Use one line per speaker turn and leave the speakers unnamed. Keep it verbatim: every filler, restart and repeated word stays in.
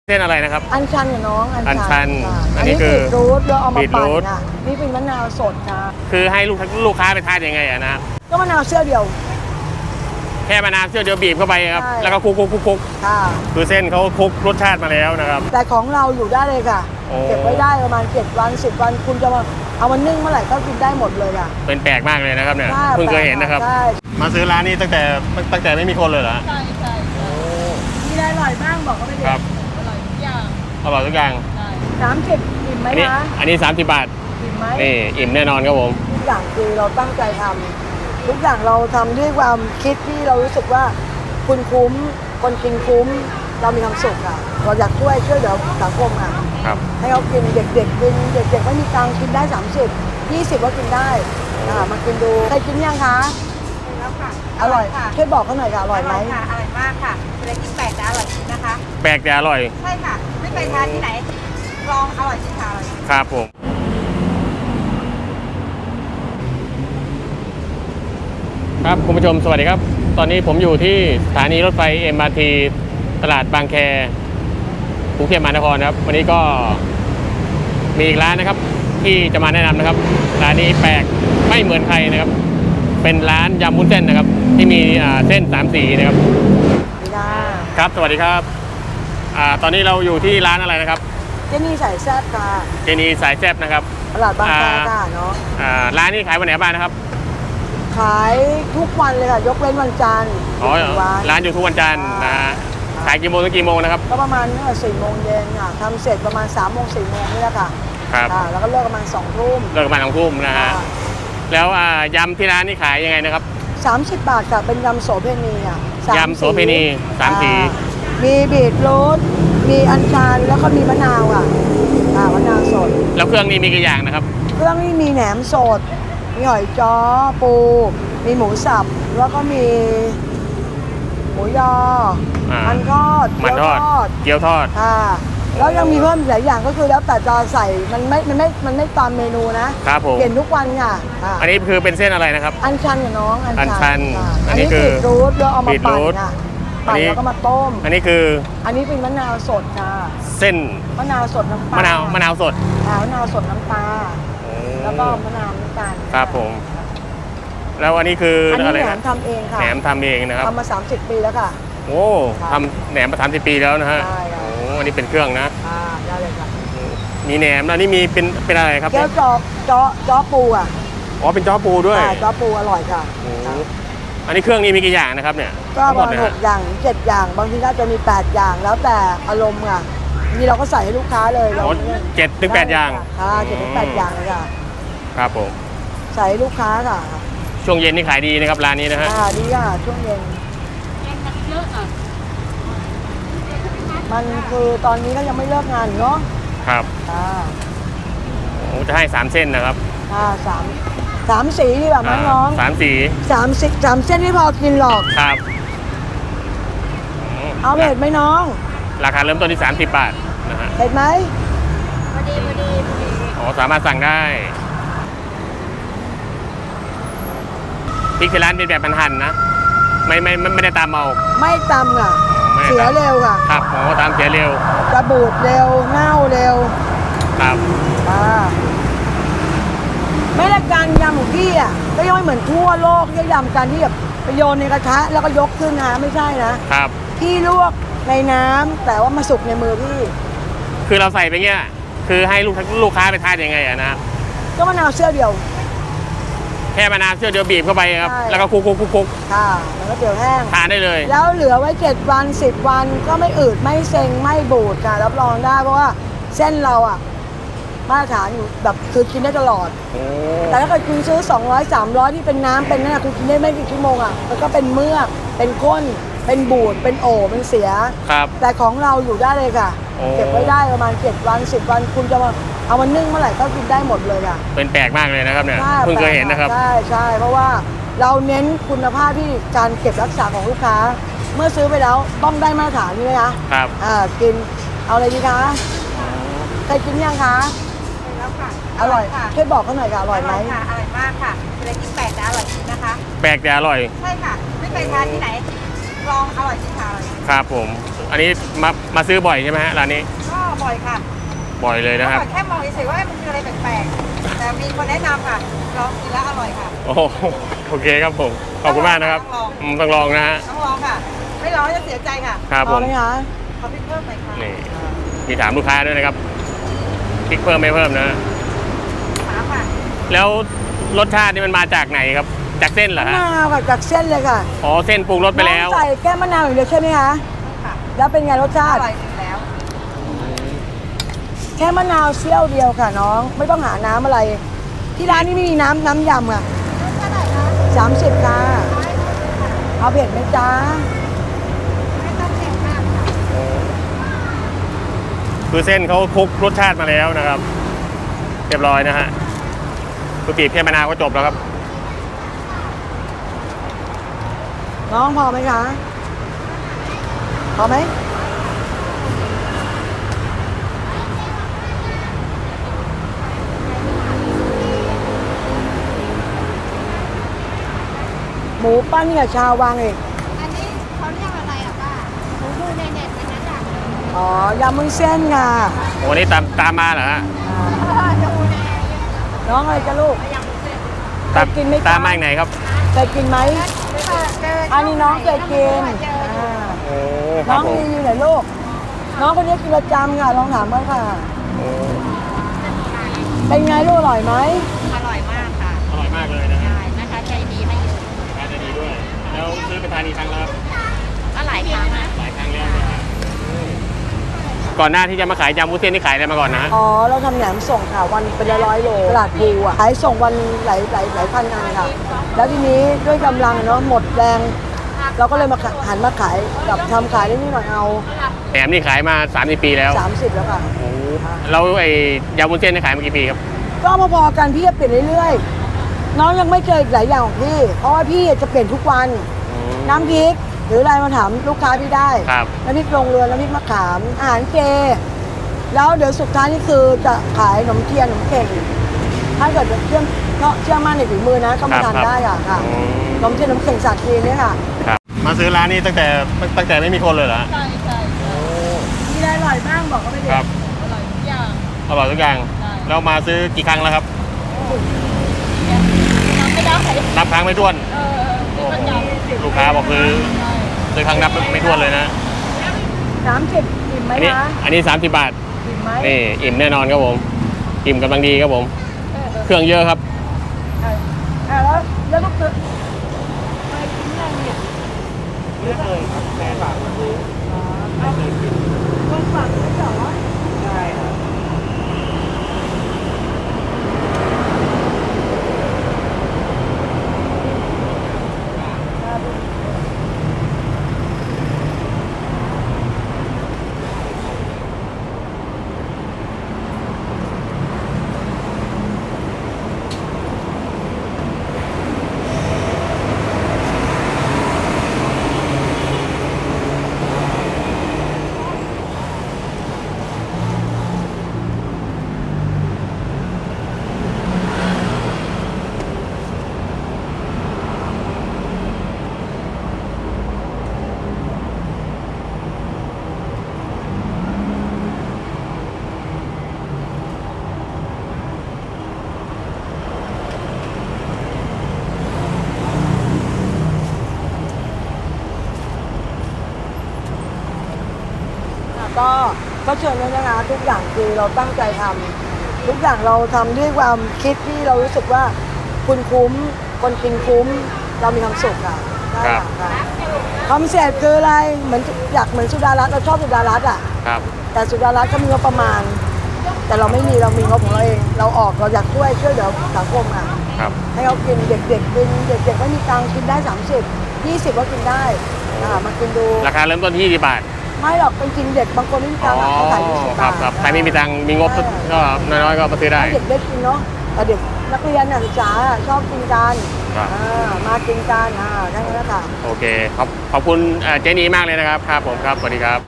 เส้นอะไรนะครับ
อัญชันกับน้อง
อัญชัน
อันนี้คือบีทรูทเราเอามาปั่นอ่ะนี่เป็นมะนาวสดค่ะ
คือให้ลูกลูกค้าไปทานยังไงอะนะ
ก็มะนาวเสี้ยวเดียว
แค่มะนาวเสี้ยวเดียวบีบเข้าไปครับแล้วก็คลุกคลุกคลุกคลุกคือเส้นเขาคลุกรสชาติมาแล้วนะครับ
แต่ของเราอยู่ได้เลยค่ะเก็บไว้ได้ประมาณเจ็ดวันสิบวันคุณจะมาเอามันนึ่งเมื่อไหร่ก็กินได้หมดเลยอ่ะ
เป็นแปลกมากเลยนะครับเนี่ยเพิ่งเคยเห็นนะครับมาซื้อร้านนี้ตั้งแต่ตั้งแต่ไม่มีคนเลยเหรอ
ใช่ใช่มีอะไรอร่อยบ้างบอกเขาไปดิ
ครับ
อร่อยทุกอย่าง
อร่อยทุกอย่าง
สามสิบอิ่มไหมนะ
อันนี้สามสิบบาท
อิ่มไหม
นี่อิ่มแน่นอนครับผม
ทุกอย่างคือเราตั้งใจทำทุกอย่างเราทำด้วยความคิดที่เรารู้สึกว่าคุณคุ้มคนกินคุ้มเรามีความสุขอ่ะเราอยากช่วยช่วยเหลือสังคมอ่ะให้เขากินเด็กๆกินเด็กๆไม่มีตังค์กินได้สามสิบ ยี่สิบก็กินได้อ่ามากินดูเคยกินยังคะ
แล้วค่ะ
อร่อยช่วยบอกเขาหน่อยค่ะอร่อยไหม
ค่ะอร่อยมากค่ะเลยกินแปลกแต่อร่อยจริงนะคะ
แปลกแต่อร่อย
ใช่ค่ะไม่ไปทานที่ไหนลองอร่อยจริงค่ะ
ครับผมครับคุณผู้ชมสวัสดีครับตอนนี้ผมอยู่ที่สถานีรถไฟ เอ็ม อาร์ ที ตลาดบางแคกรุงเทพมหานครนะครับวันนี้ก็มีอีกร้านนะครับที่จะมาแนะนำนะครับร้านนี้แปลกไม่เหมือนใครนะครับเป็นร้านยำวุ้นเส้นนะครับที่มีเส้นสามสีนะครับครับสวัสดีครับตอนนี้เราอยู่ที่ร้านอะไรนะครับ
เจนี่สายแซ่บค่ะ
เจนี่สายแซ่บนะครับ
ตลาดบางแคค่ะเนาะ
ร้านนี้ขายวันไหนบ้างนะครับ
ขายทุกวันเลยค่ะยกเว้นวันจันทร์
อ๋อร้านอยู่ทุกวันจันทร์นะขายกี่โมงถึงกี่โมงนะครับ
ก็ประมาณสี่โมงเย็นค่ะทำเสร็จประมาณสามโมงสี่โมงนี่แหละค่ะ
ครับ
แล้วก็เลิกประมาณสองทุ่ม
เลิกประมาณสองทุ่มนะฮะแล้วยำที่ร้านนี่ขายยังไงนะครับ
สามสิบบาทค่ะเป็นยำโสเพณีอ่ะ
ยำโสเพณีสามสี
มีบีทรูทมีอัญชันแล้วก็มีมะนาวอ่ะมะนาวสด
แล้วเครื่องนี้มีกี่อย่างนะครับ
เครื่องนี้มีแหนมสดมีหอยจ้อปูมีหมูสับแล้วก็มีหมูยอมันทอด
มันทอดเกี๊ยวทอด
ค่ะแล้วยังมีเพิ่มหลายอย่างก็คือแล้วแต่จะใส่มันไม่มันไม่มันไม่ตามเมนูนะครับผมเปลี่ยนทุกวันค่ะ
อันนี้คือเป็นเส้นอะไรนะครับ
อัญชันกับน้อง
อัญชัน
อันนี้คือบีทรูทเราเอามาปั่นค่ะปั่นแล้วก็มาต้ม
อันนี้คือ
อันนี้เป็นมะนาวสดค่ะ
เส้น
มะนาวสดน้ำปลาม
ะนาวมะนาวสด
มะนาวสดน้ำปลาแล้วก็มะนาวน้ำตาล
ครับผมแล้วอันนี้คือ
อะไรนะแหนมทำเองค่ะ
แหนมทำเองนะครับ
ทำมาสามสิบปีแล้วค่ะ
โอ้ทำแหนมมาสามสิบปีแล้วนะฮะโอ้อันนี้เป็นเครื่องนะ
ได้เลยค่ะ
มีแหนมแล้วนี่มีเป็นเป็นอะไรครับ
แก้วจอจอจอปูอ่ะ
อ๋อเป็นจ้อปูด้วย
จ้อปูอร่อยค่ะ
อันนี้เครื่องนี้มีกี่อย่างนะครับเนี่ย
ก็ประมาณหกอย่างเจ็ดอย่างบางทีน่าจะมีแปดอย่างแล้วแต่อารมณ์ค่ะนี่เราก็ใส่ให้ลูกค้าเลยเรา
เจ็ดถึงแปดอย่าง
ค่ะเจ็ดถึงแปดอย่างเลยค่ะ
ครับผม
ใส่ให้ลูกค้าค่ะ
ช่วงเย็นนี่ขายดีนะครับร้านนี้นะฮะ
ค่ะดีค่ะช่วงเย็นเยอะอ่ะมันคือตอนนี้ก็ยังไม่เลิกงานเนาะ
ครับ
อ่า
โอ้จะให้สามเส้นนะครับ
อ่าสามสามสีดีกว่ามั้งน้อง
สามสี
สามสิสามเส้นไม่พอกินหรอก
ครับ
เอาเผ็ดไหมน้อง
ราคาเริ่มต้นที่สามสิบบาทนะฮะ
เผ็ดไหม
พอดีพอดีพอดี
อ๋อสามารถสั่งได้พริกที่ร้านเป็นแบบหั่นๆนะไม่ไม่ไม่ได้ตามเอา
ไม่ตำค่ะเสียเร็วค่ะ
ครับโอ้ตามเสียเร็ว
จะบูดเร็วเน่าเร็ว
ครับ
อ่าไม่ได้การยำของพี่อ่ะก็ยังไม่เหมือนทั่วโลกที่ยำกันที่แบบไปโยนในกระทะแล้วก็ยกขึ้นนะไม่ใช่นะครับพี่ลวกในน้ำแต่ว่ามาสุกในมือพี่
คือเราใส่ไปเงี้ยคือให้ลูกลูกค้าไปทานยังไงอะนะ
ก็มะนาวเสี้ยวเดียว
แค่มะนาวเสี้ยวเดียวบีบเข้าไปครับแล้วก็คลุกคลุกคลุกคลุก
ค่ะแล้วก็เดี๋ยวแห้ง
ทานได้เลย
แล้วเหลือไว้เจ็ดวันสิบวันก็ไม่อืดไม่เซ็งไม่บูดค่ะรับรองได้เพราะว่าเส้นเราอ่ะมาตรฐานอยู่แบบคือกินได้ตลอดแต่ถ้าเกิดคุณซื้อสองร้อยสามร้อยที่เป็นน้ำเป็นนั่นคุณกินได้ไม่กี่ชั่วโมงอ่ะมันก็เป็นเมือกเป็นก้นเป็นบูดเป็นโอ่เป็นเสีย
ครับ
แต่ของเราอยู่ได้เลยค่ะเก็บไว้ได้ประมาณเจ็ดวันสิบวันคุณจะมาเอามันนึ่งเมื่อไหร่ก็กินได้หมดเลยค่ะ
เป็นแปลกมากเลยนะครับเนี่ยเพิ่งเคยเห็นนะครับ
ใช่ใช่เพราะว่าเราเน้นคุณภาพที่การเก็บรักษาของลูกค้าเมื่อซื้อไปแล้วต้องได้มาตรฐานนี่ไหมคะ
ครับ
อ่ากินเอาอะไรดีคะเคยกินยังคะ
แล้วค่ะ
อร่อยช่วยบอกเขาหน่อยค่ะอร่อยไหม
ค่ะอร่อยมากค่ะเลยกินแปลกแต่อร่อยจริงนะคะ
แปลกแต่อร่อย
ใช่ค่ะไม่ไปทานที่ไหนลลองอร่อยจริงค่ะ
ครับผมอันนี้มามาซื้อบ่อยใช่ไหมฮะร้านนี้
ก็บ่อยค่ะ
บ่อยเลยนะครับ
แค่มองเฉยๆว่ามันคืออะไรแปลกๆแต่มีคนแนะนำค่ะลองกินแล้วอร่อยค่ะ
โอ้โหโอเคครับผมขอบคุณมากนะครับอืมต้องลองนะฮะ
ต้องลองค่ะ ไม่ลองจะเสียใจค่ะ
ครับ
พ
ผ
อ
ม
ไหมคะ
ขอพริกเพิ่มหน่อยค่ะ
นี่มีถามลูกค้าด้วยนะครับพริกเพิ่มไม่เพิ่มนะ
สามค่ะ
แล้วรสชาตินี่มันมาจากไหนครับจากเส้นเหรอ
มะ
ฮะ
นาวค่ะจากเส้นเลยค่ะ
อ๋อเส้นปรุงรสไปแล้ว
น้องใส่แก้มมะนาวอย่างเดียวใช่ไหมคะ
ค่ะ
แล้วเป็นไงรสชา
อ
ติ
ร่อยอยู่แล้ว
แค่มะนาวเสี้ยวเดียวค่ะน้องไม่ต้องหาน้ำอะไร ที่ร้านนี้ไม่มีน้ำน้ำยำค่ะ
เท่าไหร่คะ
สามสิบค่ะเอาเผ็ดไหมจ๊ะ
ไม่ต้องเค็มมากค่ะ
คือเส้นเขาคลุกรสชาติมาแล้วนะครับ เรียบร้อยนะฮะคือบีบแค่มะนาวก็จบแล้วครับ
น้องพอไหมคะพอไหมหมูปั้นกับชาววังอีก
อันนี้เขาเรียกอะไรอ่ะป้าหมูดูในเน็ตเป็นนักดัง
อ๋อยำมุ้นเส้นค่ะ
โอ้นี่ตามตามมาเหรอฮะ
อ่า
ดูใน
น้องอะไรจะลูก
ตาม
เคยกินไหมคะ
ตามมาจากไหนครับ
เคยกินไหม อันนี้น้องเคยกินอ่า
โอ้ค
น้
รั
อบ ง
ผม
รีวิวหน่อยลูก น้องคนนี้กินประจำค่ะ ลองถามเขาค่ะ
โอ้
เป็นไงลูกอร่อยไหม
อร่อยมากค่ะ
อร่อยมากเลยนะฮะ
ใช่นะคะใจดีให้เยอะ
ทานได้ดีด้วย แล้วซื้อไปทานอีกครั้งแล้วครับ
ก็หลายครั้งนะ
หลายครั้งแล้วนะฮะก่อนหน้าที่จะมาขายยำวุ้นเส้นนี่ขายอะไรมาก่อนนะฮะ
อ๋อ เราทำแหนมส่งค่ะวันเป็นร้อยๆโลตลาดภูอ่ะขายส่งวันหลายหลายหลายพันอันค่ะ แล้วทีนี้ด้วยกำลังเนาะหมดแรง เราก็เลยมาหันมาขายกับทำขายได้นิดหน่อยเอา
แหนมนี่ขายมาสามสิบปีแล้ว
สามสิบแล้วค่ะ
โอ้แล้วไอ้ยำวุ้นเส้นนี่ขายมากี่ปีครับ
ก็พอๆกันพี่จะเปลี่ยนเรื่อยๆ น้องยังไม่เจออีกหลายอย่างของพี่ เพราะว่าพี่จะเปลี่ยนทุกวัน น้ำพริกหรืออะไรมาถามลูกค้าพี่ได้
ครับ
น้ำพริกลงเรือน้ำพริกมะขาม อาหารเจ แล้วเดี๋ยวสุดท้ายนี่คือจะขายขนมเทียนขนมเข่งถ้าเกิดเชื่อเชื่อมั่นในฝีมือนะก็มาทานได้ค่ะค่ะ
อืม
ขนมเทียนขนมเข่งสัตว์จีนเนี่ยค่ะ
ครับ มาซื้อร้านนี้ตั้งแต่ตั้งแต่ไม่มีคนเลยเหรอฮะ
ใช่ใช่
มีอะไรอร่อยบ้างบอกก็ไม่ได้
ครับ
อร่อยทุกอย่าง
อร่อยทุกอย่าง
ใช่
แล้วมาซื้อกี่ครั้งแล้วครับ
ทำไม่ได้
นับครั้งไม่ถ้วน
เออ
โอ้โหลูกค้าบอกซื้อซื้อครั้งนับไม่ถ้วนเลยนะ
สามสิบอิ่มไหม
อันนี้
คะ
อันนี้สามสิบบาท
อิ่มไหม
นี่อิ่มแน่นอนครับผม อิ่มกำลังดีครับผม เครื่องเยอะครับ
อ่ะอ่ะแล้วแล้วก็คือไปกินยังเนี่ย
ไม่เคยครับแม่ฝากมาซื้อ
ไม่เคยกินคนฝากไม่เหรอ
ใช่ครับ
ก็ก็เชิญเลยนะคะทุกอย่างคือเราตั้งใจทำทุกอย่างเราทำด้วยความคิดที่เรารู้สึกว่าคุณคุ้มคนกินคุ้ม เรามีความสุขค่ะ
ครับ
ค่ะคอนเซ็ปต์คืออะไรเหมือนอยากเหมือนสุดารัตน์เราชอบสุดารัตน์อ่ะ
ครับ
แต่สุดารัตน์ก็มีงบประมาณ แต่เราไม่มีเรามีงบของเราเองเราออกเราอยากช่วยช่วยเหลือสังคมอ่ะ
ครับ
ให้เขากินเด็กๆกินเด็กๆไม่มีตังค์กินได้สามสิบ ยี่สิบก็กินได้อ่ามากินดู
ราคาเริ่มต้นที่ยี่สิบบาท
ไม่หรอกเป็นกินเด็กบางคนไม่มีตังค์อะเขาขายยี่สิบ
ครับ
าท
ครับใครไม่มีตังค์มีงบ
ใช่
ก็น้อยๆก็มาซื้อได้
ให้เด็กได้กินเนาะแต่เด็กนักเรียนนักศึกษาชอบกินกัน
ครับ
อ่ามากินกันอ่าแค่นั้นแหละค่ะ
โอเคขอบขอบคุณเอ่อเจนีมากเลยนะครับ ครับผมครับ สวัสดีครับ